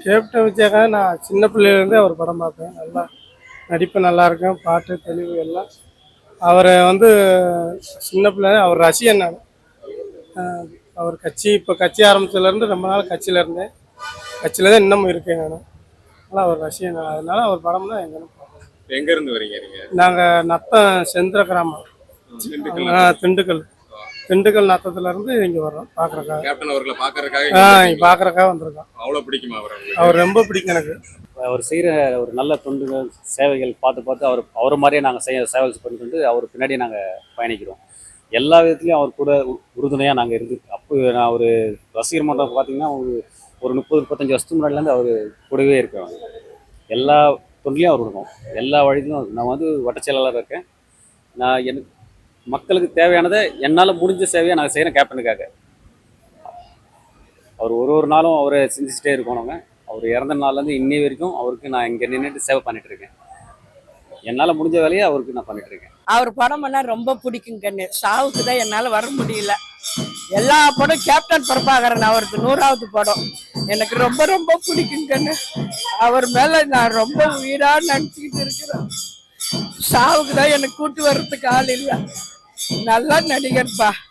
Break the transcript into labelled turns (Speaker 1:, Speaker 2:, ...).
Speaker 1: Captain Vijayakanth நான் சின்ன பிள்ளையிலேருந்தே அவர் படம் பார்ப்பேன். நல்லா நடிப்பு நல்லா இருக்கும், பாட்டு தெளிவு எல்லாம். அவரை வந்து சின்ன பிள்ளை அவர் ரசிகன் நான். அவர் கட்சி இப்போ கட்சி ஆரம்பிச்சதுலேருந்து ரொம்ப நாள் கட்சியில் இருந்தேன். கட்சியில் தான் இன்னமும் இருக்கேன் நான். அதனால் அவர் ரசிகன் நான். அதனால அவர் படம்னா எங்கன்னு பார்ப்போம்.
Speaker 2: எங்க இருந்து வரீங்க நீங்க?
Speaker 1: நாங்கள் நத்தம் செந்திர கிராமம்,
Speaker 2: திண்டுக்கல்.
Speaker 1: திண்டுக்கல். திண்டுக்கல் நத்தத்துலேருந்து இங்கே வர்றோம் பார்க்குறக்காக.
Speaker 2: கேப்டன் அவர்களை பாக்குறதுக்காக
Speaker 1: பார்க்குறக்காக வந்திருக்கோம்.
Speaker 2: அவ்வளவு பிடிக்குமா அவர் உங்களுக்கு?
Speaker 1: அவர் ரொம்ப பிடிக்கும் எனக்கு.
Speaker 3: அவர் செய்கிற ஒரு நல்ல தொண்டுகள் சேவைகள் பார்த்து அவர் மாதிரியே நாங்கள் சேவைகள் பண்ணிட்டு அவர் பின்னாடியே நாங்கள் பயணிக்கிறோம். எல்லா விதத்துலையும் அவர் கூட உறுதுணையாக நாங்கள் இருந்து அப்போ நான் ஒரு ரசிகர் மன்றம் பார்த்தீங்கன்னா ஒரு 30-35 வருஷத்துக்கு முன்னாடிலேருந்து அவர் கூடவே இருக்கிறாங்க. எல்லா தொண்டிலையும் அவர் இருக்கும். எல்லா வழியிலும் நான் வந்து வட்டச் செயலாளராக இருக்கேன். நான் எனக்கு மக்களுக்கு தேவையானதை என்னால் முடிஞ்ச சேவையாக நாங்கள் செய்கிறேன் கேப்டனுக்காக. அவர் ஒரு நாளும் அவரை சிந்திச்சுட்டே இருக்கோம். நாங்கள் அவர் இறந்த நாள்லேருந்து இன்னி வரைக்கும் அவருக்கு நான் இங்கே நின்றுட்டு சேவை பண்ணிட்டு இருக்கேன். என்னால் முடிஞ்ச வேலையை அவருக்கு நான் பண்ணிட்டு இருக்கேன்.
Speaker 4: அவர் படமெல்லாம் ரொம்ப பிடிக்கும் கண்ணு. சாவுக்கு தான் என்னால் வர முடியல. எல்லா படம் கேப்டன் பிரபாகரன் அவருக்கு 100வது படம் எனக்கு ரொம்ப ரொம்ப பிடிக்கும் கண்ணு. அவர் மேல நான் ரொம்ப உயிரா நினைச்சுக்கிட்டு இருக்கிறேன். சாவுக்கு தான் எனக்கு கூட்டு வர்றதுக்கு ஆள் இல்லை. நல்ல நடிகர்ப்பா.